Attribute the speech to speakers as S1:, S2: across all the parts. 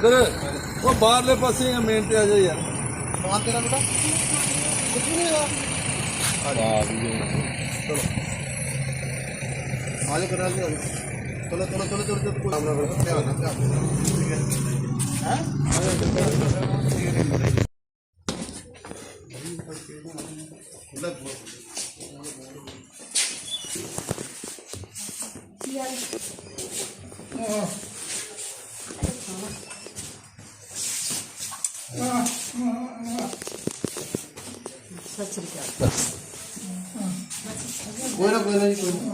S1: ਇੱਧਰ ਉਹ ਬਾਹਰਲੇ ਪਾਸੇ ਮੇਨ ਤੇ ਆ ਜਾ ਯਾਰ।
S2: ਸਮਾਨ ਤੇਰਾ ਬੇਟਾ ਕੁਝ ਨਹੀਂ ਹੈਗਾ। ਚਲੋ ਆਜੋ करा लो। चलो चलो चलो चलो चलो ध्यान ध्यान ठीक है कोई ना जी कोई ना।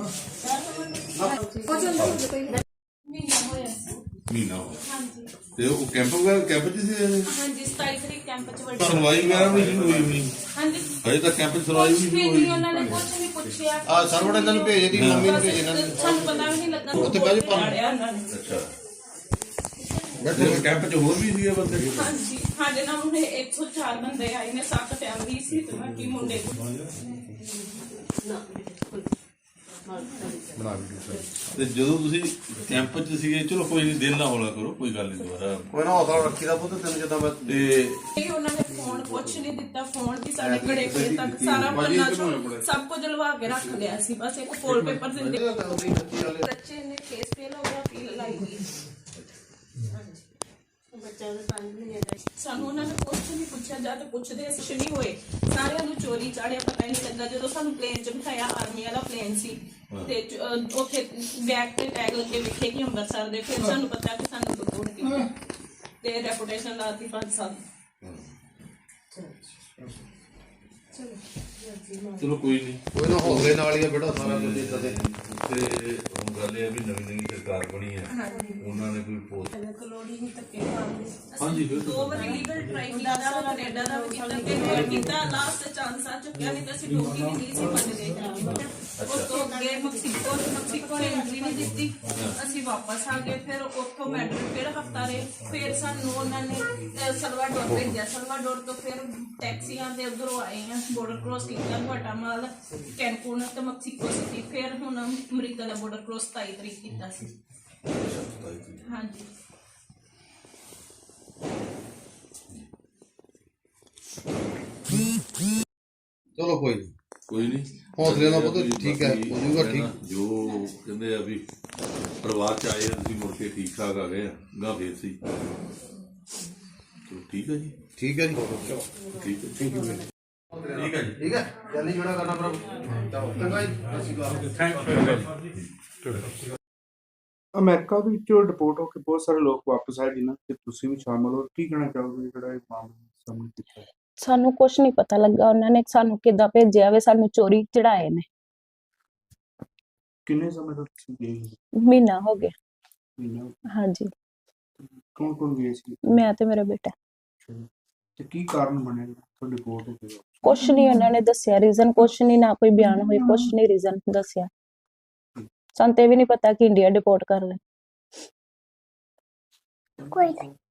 S3: ਮਹੀਨਾ ਹੋ ਗਿਆ ਤੇ ਉਹ ਕੈਂਪ ਵਗੈਰਾ ਕੈਂਪ ਚ ਸੀ
S4: ਹਾਂਜੀ 27 ਤਰੀਕ ਕੈਂਪ ਚ ਵੱਡੀ
S3: ਸੁਣਵਾਈ ਵਗੈਰਾ ਵੀ ਨਹੀਂ ਹੋਈ ਹੋਣੀ
S4: ਹਾਂਜੀ
S3: ਹਜੇ ਤਾਂ ਕੈਂਪ ਚ ਸੁਣਵਾਈ ਵੀ ਨਹੀਂ ਹੋਈ
S4: ਉਹਨਾਂ ਨੇ ਕੁਝ ਨਹੀਂ ਪੁੱਛਿਆ
S2: ਸਰਵਰ ਇਹਨਾਂ ਨੂੰ ਭੇਜ ਦੀ ਮੰਮੀ ਨੂੰ ਭੇਜ ਇਹਨਾਂ ਨੂੰ
S4: ਸਾਨੂੰ ਪਤਾ ਵੀ ਨਹੀਂ ਲੱਗਾ
S2: ਉੱਥੇ ਬਾਅਦ ਚ
S3: ਅੱਛਾ ਬੈਠੇ ਕੈਂਪ ਚ ਹੋਰ ਵੀ ਸੀਗੇ ਬੰਦੇ
S4: ਹਾਂਜੀ ਸਾਡੇ ਨਾਲ ਉਹਨੇ 104 ਬੰਦੇ ਆਏ ਨੇ 7 ਫੈਮਿਲੀ ਸੀ ਤੇ ਬਾਕੀ ਮੁੰਡੇ
S3: ਤੇ ਜਦੋਂ ਤੁਸੀਂ ਕੈਂਪ ਚ ਸੀਗੇ ਚਲੋ ਕੋਈ ਨਹੀਂ ਦਿਲ ਨਾ ਹੌਲਾ ਕਰੋ ਕੋਈ ਗੱਲ ਨਹੀਂ ਦੁਬਾਰਾ
S2: ਕੋਈ ਨਾ ਹੌਸਲਾ ਰੱਖੀ ਦਾ ਪੁੱਤ ਤੈਨੂੰ ਜਦੋਂ ਮੈਂ
S4: ਤੇ ਉਹਨਾਂ ਨੇ ਫੋਨ ਕੁਛ ਨਹੀਂ ਦਿੱਤਾ ਫੋਨ ਵੀ ਸਾਡੇ ਘੜੇ ਕੋਲ ਤੱਕ ਸਾਰਾ ਪੰਨਾ ਸਭ ਕੁਝ ਲਵਾ ਕੇ ਰੱਖ ਲਿਆ ਸੀ ਬਸ ਇੱਕ ਫੋਲ ਪੇਪਰ ਦਿੰਦੇ ਬੱਚੇ ਨੇ ਕੇਸ ਫੇਲ ਹੋ ਗਿਆ ਅਪੀਲ ਲਾਈ ਗਈ ਸਾਨੂੰ ਉਹਨਾਂ ਨੇ ਕੁਛ ਨਹੀਂ ਪੁੱਛਿਆ ਜਦ ਪੁੱਛਦੇ ਅਸੀਂ ਨਹੀਂ ਹੋਏ ਸਾਰਿਆਂ ਨੂੰ ਚੋਰੀ ਚਾੜਿਆ ਪਤਾ ਹੀ ਨਹੀਂ ਲੱਗਾ ਜਦੋਂ ਸਾਨੂੰ ਪਲੇਨ ਚ ਬਿਠਾਇਆ ਆਰਮੀ ਵਾਲਾ ਪਲੇਨ ਸੀ ਤੇ ਉੱਥੇ ਬੈਗ ਤੇ ਟੈਗ ਲੱਗੇ ਵਿਖੇ ਕਿ ਅੰਮ੍ਰਿਤਸਰ ਦੇ ਫਿਰ ਸਾਨੂੰ ਪਤਾ ਕਿ ਸਾਨੂੰ ਰਿਪੋਰਟ ਕੀਤਾ ਤੇ ਰੈਪੂਟੇਸ਼ਨ ਲਾਤੀ 5 ਸਾਲ
S3: ਚਲੋ ਕੋਈ ਨਹੀਂ
S2: ਕੋਈ ਨਾ ਹੌਸਲੇ ਨਾਲ ਹੀ ਆ ਬੇਟਾ ਸਾਰਾ ਕੁਝ ਇਦਾਂ ਦੇ
S3: ਤੇ ਹੁਣ ਗੱਲ ਇਹ ਆ ਵੀ ਨਵੀਂ ਸਰਕਾਰ ਬਣੀ ਹੈ ਉਹਨਾਂ ਨੇ ਕੋਈ ਪੋਸਟ
S4: ਕਲੋੜੀ ਨਹੀਂ ਧੱਕੇ ਮਾਰਦੇ
S3: ਹਾਂਜੀ ਫਿਰ
S4: ਦੋ ਵਾਰ ਲੀਗਲ ਟਰਾਈ ਕੀਤਾ ਕੈਨੇਡਾ ਦਾ ਵੀ ਕੀਤਾ ਤੇ ਹੋਰ ਕੀਤਾ ਲਾਸਟ ਚਾਂਸ ਆ ਚੁੱਕਿਆ ਨਹੀਂ ਤਾਂ ਅਸੀਂ ਡੋਗੀ ਵੀ ਨਹੀਂ ਸੀ ਮੰਨਦੇ ਉਸ ਤੋਂ ਅੱਗੇ ਮੈਕਸੀਕੋ ਨੇ ਐਂਟਰੀ ਨਹੀਂ ਦਿੱਤੀ ਅਸੀਂ ਵਾਪਸ ਆ ਗਏ ਫਿਰ ਉੱਥੋਂ ਮੈਡਰਿਡ ਫਿਰ ਹਫਤਾ ਰਹੇ ਫਿਰ ਸਾਨੂੰ ਉਹਨਾਂ ਨੇ ਸਲਵਾਡੋਰ ਭੇਜਿਆ ਸਲਵਾਡੋਰ ਤੋਂ ਫਿਰ ਟੈਕਸੀਆਂ ਦੇ ਉਧਰੋਂ ਆਏ ਆ ਬੋਰਡਰ ਕ੍ਰੋਸ ਕੀਤਾ ਗੁਆਟਾਮਾਲਾ ਕੈਨਕੂਨ ਤੇ ਮੈਕਸੀਕੋ ਸਿਟੀ ਫਿਰ ਹੁਣ ਅਮਰੀਕਾ ਦਾ ਬੋਰਡਰ ਕ੍ਰੋਸ 27 ਤਰੀਕ ਕੀਤਾ ਸੀ ਹਾਂਜੀ
S2: ਚਲੋ ਕੋਈ ਨਹੀਂ
S3: ਕੋਈ ਨਹੀਂ
S2: ਹੌਸਲੇ ਨਾਲ ਪੁੱਤ ਠੀਕ ਹੈ ਹੋ ਜਾਊਗਾ ਠੀਕ
S3: ਜੋ ਕਹਿੰਦੇ ਆ ਵੀ ਪਰਿਵਾਰ ਚ ਆਏ ਤੁਸੀਂ ਮੁੜ ਕੇ ਠੀਕ ਠਾਕ ਆ ਗਏ ਗਾ ਫੇਰ ਸੀ ਚਲੋ ਠੀਕ ਹੈ ਜੀ
S2: ਠੀਕ ਹੈ ਜੀ
S3: ਠੀਕ ਹੈ
S2: ਠੀਕ ਹੈ ਜੀ ਠੀਕ ਹੈ ਜਲਦੀ ਜਿਹੜਾ ਕਰਨਾ ਪ੍ਰਭ ਚੰਗਾ ਜੀ
S5: ਅਮਰੀਕਾ ਦੇ ਵਿੱਚੋਂ ਡਿਪੋਰਟ ਹੋ ਕੇ ਬਹੁਤ ਸਾਰੇ ਲੋਕ ਵਾਪਸ ਆਏ ਜਿਨ੍ਹਾਂ ਤੇ ਤੁਸੀਂ ਵੀ ਸ਼ਾਮਲ ਹੋ ਕੀ ਕਹਿਣਾ ਚਾਹੋਗੇ ਜਿਹੜਾ ਇਹ ਮਾਮਲਾ ਸਾਹਮਣੇ ਕੀਤਾ
S6: ਸਾਨੂੰ ਕੁਛ ਨਹੀਂ ਪਤਾ ਲੱਗਾ ਉਹਨਾਂ ਨੇ ਸਾਨੂੰ ਕਿੱਦਾਂ ਭੇਜਿਆ ਵੇ ਸਾਨੂੰ ਚੋਰੀ ਚੜਾਏ ਨੇ
S5: ਕਿੰਨੇ ਸਮੇਂ ਤੋਂ ਤੁਸੀਂ ਗਏ
S6: ਮਹੀਨਾ ਹੋ ਗਿਆ
S5: ਮਹੀਨਾ
S6: ਹਾਂਜੀ
S5: ਕੌਣ ਕੌਣ ਗਏ ਸੀ
S6: ਮੈਂ ਤੇ ਮੇਰਾ ਬੇਟਾ
S5: ਤੇ ਕੀ ਕਾਰਨ ਬਣਿਆ ਤੁਹਾਡੇ ਡਿਪੋਰਟ ਹੋ ਗਏ
S6: ਕੁਛ ਨਹੀਂ ਉਹਨਾਂ ਨੇ ਦੱਸਿਆ ਰੀਜ਼ਨ ਕੁਛ ਨਹੀਂ ਨਾ ਕੋਈ ਬਿਆਨ ਹੋਈ ਕੁਛ ਨਹੀਂ ਰੀਜ਼ਨ ਦੱਸਿਆ ਸਾਨੂੰ ਤੇ ਵੀ ਨਹੀਂ ਪਤਾ ਕਿ ਇੰਡੀਆ ਡਿਪੋਰਟ ਕਰ ਲੈ
S5: ਕੋਈ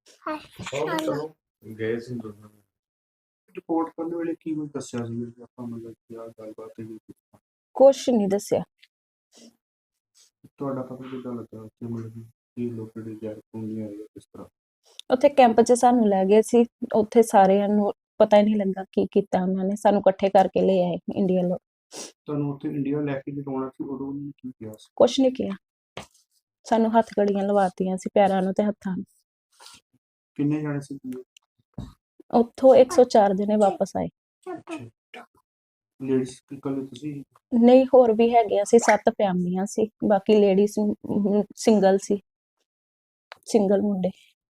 S5: ਗਏ ਸੀ ਰਿਪੋਰਟ ਕਰਨ ਵੇਲੇ ਕੀ ਕੁਝ ਦੱਸਿਆ ਸੀ ਵੀ ਆਪਾਂ ਮਤਲਬ ਕੀ ਆ ਗੱਲਬਾਤ ਹੈ
S6: ਕੁਛ ਨਹੀਂ ਦੱਸਿਆ
S5: ਤੁਹਾਡਾ ਪਤਾ ਕਿੱਦਾਂ ਲੱਗਾ ਕਿ ਮਤਲਬ ਕੀ ਲੋਕ ਜਿਹੜੇ ਜਾ ਪੁੰਗੀਆਂ ਆਏ ਕਿਸ ਤਰ੍ਹਾਂ
S6: ਉੱਥੇ ਕੈਂਪ 'ਚ ਸਾਨੂੰ ਲੈ ਗਏ ਸੀ ਉੱਥੇ ਸਾਰਿਆਂ ਨੂੰ ਪਤਾ ਹੀ ਨਹੀਂ ਲੱਗਾ ਕੀ ਕੀਤਾ ਉਹਨਾਂ ਨੇ ਸਾਨੂੰ ਇਕੱਠੇ ਕਰਕੇ ਲੈ ਆਏ ਇੰਡੀਆ ਲੋਕ
S5: ਤੁਹਾਨੂੰ ਉੱਥੇ ਇੰਡੀਆ ਲੈ ਕੇ ਲਿਆਉਣਾ ਸੀ ਉਦੋਂ ਉਹਨੇ ਕੀ ਕਿਹਾ ਸੀ
S6: ਕੁਛ ਨਹੀਂ ਕਿਹਾ ਸਾਨੂੰ ਹੱਥ ਘੜੀਆਂ ਲਵਾਤੀਆਂ ਸੀ ਪੈਰਾਂ ਨੂੰ ਤੇ ਹੱਥਾਂ ਨੂੰ
S5: ਕਿੰਨੇ ਜਾਣੇ ਸੀ
S6: ਉੱਥੋਂ 104 ਜਣੇ ਵਾਪਸ ਆਏ
S5: ਲੇਡੀਜ਼ ਇਕੱਲੇ ਤੁਸੀਂ
S6: ਨਹੀਂ ਹੋਰ ਵੀ ਹੈਗੇ ਅਸੀਂ 7 ਫੈਮਲੀਆਂ ਸੀ ਬਾਕੀ ਲੇਡੀਜ਼ ਸਿੰਗਲ ਸੀ ਸਿੰਗਲ ਮੁੰਡੇ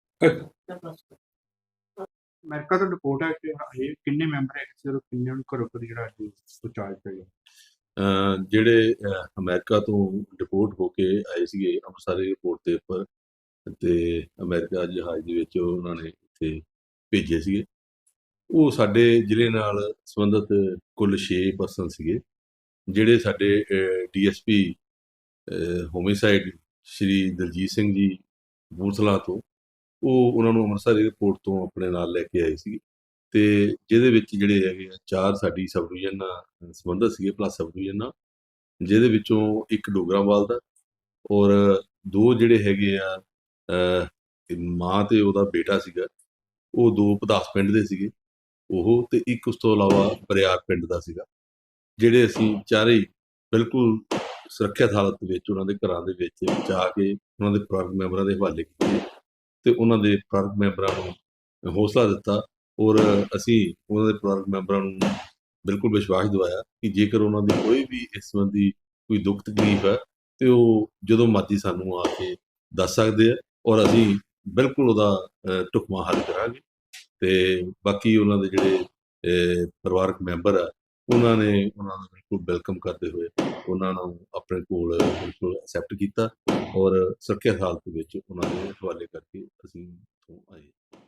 S5: ਅਮਰੀਕਾ ਤੋਂ ਰਿਪੋਰਟ ਹੈ ਕਿ ਇਹ ਕਿੰਨੇ ਮੈਂਬਰ ਹੈ ਸਿਰ ਕਿੰਨੇ ਨੂੰ ਘਰੋਂ ਘਰ ਜਿਹੜਾ ਪਹੁੰਚਾਇਆ ਗਿਆ
S3: ਜਿਹੜੇ ਅਮਰੀਕਾ ਤੋਂ ਡਿਪੋਰਟ ਹੋ ਕੇ ਆਏ ਸੀਗੇ ਅੰਮ੍ਰਿਤਸਰ ਏਅਰਪੋਰਟ ਦੇ ਉੱਪਰ ਤੇ ਅਮਰੀਕਾ ਜਹਾਜ਼ ਦੇ ਵਿੱਚ ਉਹਨਾਂ ਨੇ ਇੱਥੇ ਭੇਜੇ ਸੀਗੇ ਉਹ ਸਾਡੇ ਜ਼ਿਲ੍ਹੇ ਨਾਲ ਸੰਬੰਧਿਤ ਕੁੱਲ 6 ਪਰਸਨ ਸੀਗੇ ਜਿਹੜੇ ਸਾਡੇ ਡੀਐਸਪੀ ਹੋਮਿਸਾਈਡ ਸ਼੍ਰੀ ਦਲਜੀਤ ਸਿੰਘ ਜੀ ਕਪੂਰਥਲਾ ਤੋਂ ਉਹ ਉਹਨਾਂ ਨੂੰ ਅੰਮ੍ਰਿਤਸਰ ਏਅਰਪੋਰਟ ਤੋਂ ਆਪਣੇ ਨਾਲ ਲੈ ਕੇ ਆਏ ਸੀ ਤੇ ਜਿਹਦੇ ਵਿੱਚ ਜਿਹੜੇ ਹੈਗੇ ਆ 4 ਸਾਡੀ ਸਬ ਡਿਵੀਜ਼ਨ ਨਾਲ ਸੰਬੰਧਿਤ ਸੀਗੇ ਪਲੱਸ ਸਬ ਡਿਵੀਜ਼ਨ ਨਾਲ ਜਿਹਦੇ ਵਿੱਚੋਂ ਇੱਕ ਡੋਗਰਾਵਾਲ ਦਾ ਔਰ 2 ਜਿਹੜੇ ਹੈਗੇ ਆ ਮਾਂ ਤੇ ਉਹਦਾ ਬੇਟਾ ਸੀਗਾ, ਉਹ 2 ਪਦਾਸ ਪਿੰਡ ਦੇ ਸੀਗੇ, ਉਹ ਤੇ ਇੱਕ ਉਸ ਤੋਂ ਇਲਾਵਾ ਬਰਿਆਰ ਪਿੰਡ ਦਾ ਸੀਗਾ, ਜਿਹੜੇ ਅਸੀਂ ਚਾਰੇ ਹੀ ਬਿਲਕੁਲ ਸੁਰੱਖਿਅਤ ਹਾਲਤ ਵਿੱਚ ਉਹਨਾਂ ਦੇ ਘਰਾਂ ਦੇ ਵਿੱਚ ਜਾ ਕੇ ਉਹਨਾਂ ਦੇ ਪਰਿਵਾਰਕ ਮੈਂਬਰਾਂ ਦੇ ਹਵਾਲੇ ਕੀਤੇ ਤੇ ਉਹਨਾਂ ਦੇ ਪਰਿਵਾਰਕ ਮੈਂਬਰਾਂ ਨੂੰ ਹੌਸਲਾ ਦਿੱਤਾ ਔਰ ਅਸੀਂ ਉਹਨਾਂ ਦੇ ਪਰਿਵਾਰਕ ਮੈਂਬਰਾਂ ਨੂੰ ਬਿਲਕੁਲ ਵਿਸ਼ਵਾਸ ਦਿਵਾਇਆ ਕਿ ਜੇਕਰ ਉਹਨਾਂ ਦੀ ਕੋਈ ਵੀ ਇਸ ਸੰਬੰਧੀ ਕੋਈ ਦੁੱਖ ਤਕਲੀਫ ਹੈ ਤੇ ਉਹ ਜਦੋਂ ਮਰਜ਼ੀ ਸਾਨੂੰ ਆ ਕੇ ਦੱਸ ਸਕਦੇ ਆ ਔਰ ਅਸੀਂ ਬਿਲਕੁਲ ਉਹਦਾ ਢੁਕਵਾਂ ਹੱਲ ਕਰਾਂਗੇ। ਤੇ ਬਾਕੀ ਉਹਨਾਂ ਦੇ ਜਿਹੜੇ ਪਰਿਵਾਰਕ ਮੈਂਬਰ ਆ ਉਹਨਾਂ ਨੇ ਉਹਨਾਂ ਨੂੰ ਬਿਲਕੁਲ ਵੈਲਕਮ ਕਰਦੇ ਹੋਏ ਉਹਨਾਂ ਨੂੰ ਆਪਣੇ ਕੋਲ ਬਿਲਕੁਲ ਐਕਸੈਪਟ ਕੀਤਾ ਔਰ ਸੁਰੱਖਿਅਤ ਹਾਲਤ ਵਿੱਚ ਉਹਨਾਂ ਦੇ ਹਵਾਲੇ ਕਰਕੇ ਅਸੀਂ ਇੱਥੋਂ ਆਏ।